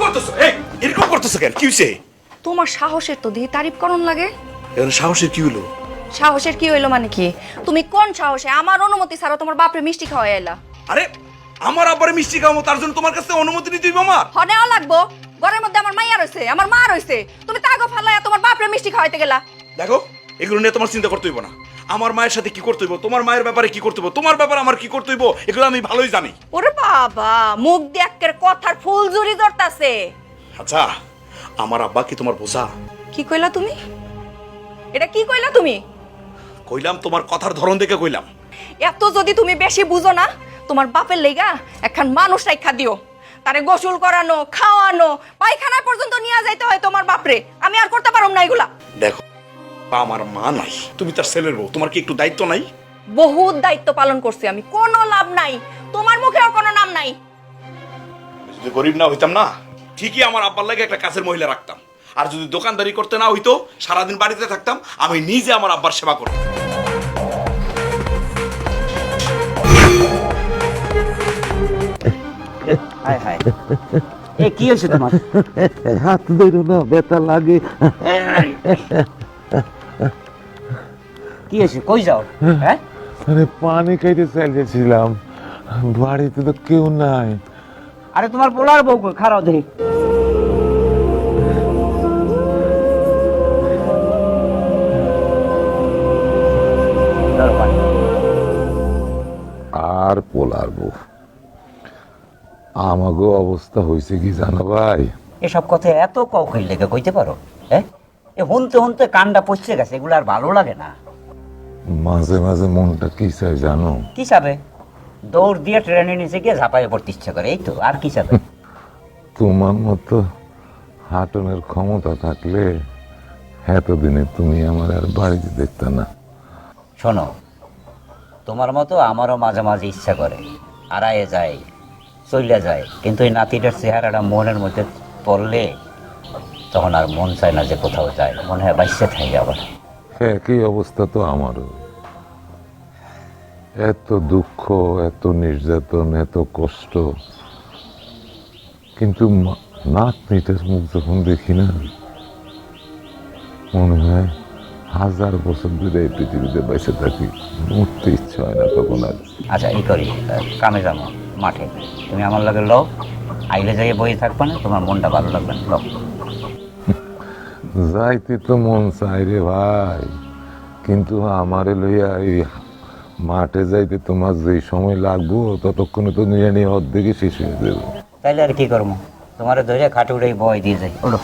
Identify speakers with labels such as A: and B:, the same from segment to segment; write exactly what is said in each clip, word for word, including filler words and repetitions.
A: করতেছো? এই এরকম করতেছো কেন? কি হইছে?
B: তোমার সাহসের তো দিয়ে তারিফ করন লাগে।
A: এখন সাহসের কি হলো?
B: সাহসের কি হইলো মানে কি? তুমি কোন সাহসে আমার অনুমতি ছাড়া তোমার বাপরে মিষ্টি খাওয়াই এলা?
A: আরে আমার আব্বারে মিষ্টি খাওয়াবো, তার জন্য তোমার কাছে অনুমতি নিতে হইব আমার?
B: হনেও লাগবো। ঘরের মধ্যে আমার মাইয়া রইছে, আমার মা রইছে, তুমি তাগো ফালাইয়া তোমার বাপরে মিষ্টি খাওয়াইতে গেলা।
A: দেখো, এগুলো নিয়ে তোমার চিন্তা করতে হইব না। আমার মায়ের সাথে কি করতে হইব, তোমার মায়ের ব্যাপারে কি করতে হইব, তোমার ব্যাপারে আমার কি করতে হইব, এগুলো আমি ভালোই জানি।
B: ওরে বাবা, মুখ দিয়ে একের কথার ফুল জুরি ধরতাছে।
A: আচ্ছা, আমার আব্বা কি তোমার বোঝা?
B: কি কইলা তুমি? এটা কি কইলা তুমি?
A: কইলাম তোমার কথার ধরন দেখে কইলাম।
B: এত যদি তুমি বেশি বুঝো না, তোমার বাপের লেগা একখান মানুষ রাইখা দিও। তারে গোসল করানো, খাওয়ানো, পায়খানা পর্যন্ত নিয়ে যাইতে হয় তোমার বাপরে। আমি আর করতে পারুম না এগুলা।
A: দেখো, আমার মা নাই, তুমি তার ছেলের বউ, তোমার কি একটু দায়িত্ব নাই?
B: বহুত দায়িত্ব পালন করছি আমি, কোনো লাভ নাই। তোমার মুখেও কোনো নাম নাই।
A: যদি গরিব না হইতাম না, ঠিকই আমার আব্বার লাগে একটা কাছের মহিলা রাখতাম। আর যদি দোকানদারি করতে না হইতো, সারাদিন বাড়িতে থাকতাম, আমি নিজে আমার আব্বার সেবা করতাম।
C: হায় হায়, এ কি হয়েছে তোমার?
D: হাত ধরো না, ব্যথা লাগে।
C: কি হয়েছে, কই যাও? হ্যাঁ,
D: আরে পানি খাইতে চাইছিলাম, বাড়িতে তো কেউ নাই।
C: আরে তোমার পোলার বউ কই? খারাপ দেখি।
D: আর পোলার বউ, আমাগো অবস্থা হয়েছে কি জানো ভাই?
C: এসব কথা এত কৌকিল লেগে কইতে পারো? হ্যাঁ, এ হুনতে হুনতে কানটা পচে গেছে, এগুলো আর ভালো লাগে না।
D: মাঝে মাঝে মনটা কি চাই জানো?
C: কি চাবে? দৌড় দিয়ে ট্রেনের নিচে গিয়ে ঝাঁপাইয়ে পড়তে ইচ্ছা করে, এই তো। আর কি চাবে?
D: তোমার মতো হাঁটনের ক্ষমতা থাকলে এতদিনে তুমি আমার আর বাড়িতে দেখতে না।
C: শোনো, তোমার মতো আমারও মাঝে মাঝে ইচ্ছা করে, আড়াইয়ে যায়, চলে যায়, কিন্তু এই নাতিটার চেহারাটা মনের মধ্যে পড়লে তখন আর মন চায় না যে কোথাও যায়, মনে হয় বাইসে থাকে আবার।
D: একই অবস্থা তো আমারও। এত দুঃখ, এত নির্যাতন, এত কষ্ট, কিন্তু নাতনিটার মুখ যখন দেখি না, মনে হয় হাজার বছর ধরে এই পৃথিবীতে বেঁচে থাকি, মরতে ইচ্ছা হয় না তখন আর।
C: আচ্ছা, এই করি, কামে যাবো মাঠে, তুমি আমার লাগে লও, আইলে যাইয়ে বই থাকবে না, তোমার মনটা ভালো লাগবে না, লও।
D: যাইতে তো মন চাই রে ভাই, কিন্তু আমারে লইয়া এই মাঠে যাইতে তোমার যে সময় লাগবো ততক্ষণে তো নিয়ে নিয়ে অর্ধেকই শেষ হয়ে যাবে।
C: তাইলে আর কি করবো, তোমার ধরে খাটে উড়ে বয় দিয়ে যাই। ওলো,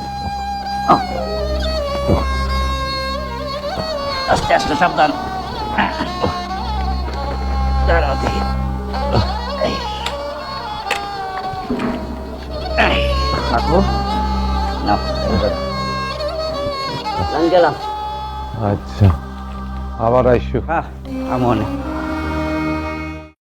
C: আস্তে আস্তে, সাবধান। দাঁড়াও দেখি। এই, এই, থাকো। নাও, এই ধরো। আমি গেলাম।
D: আচ্ছা, আবার আইসো।
C: হ্যাঁ, আমি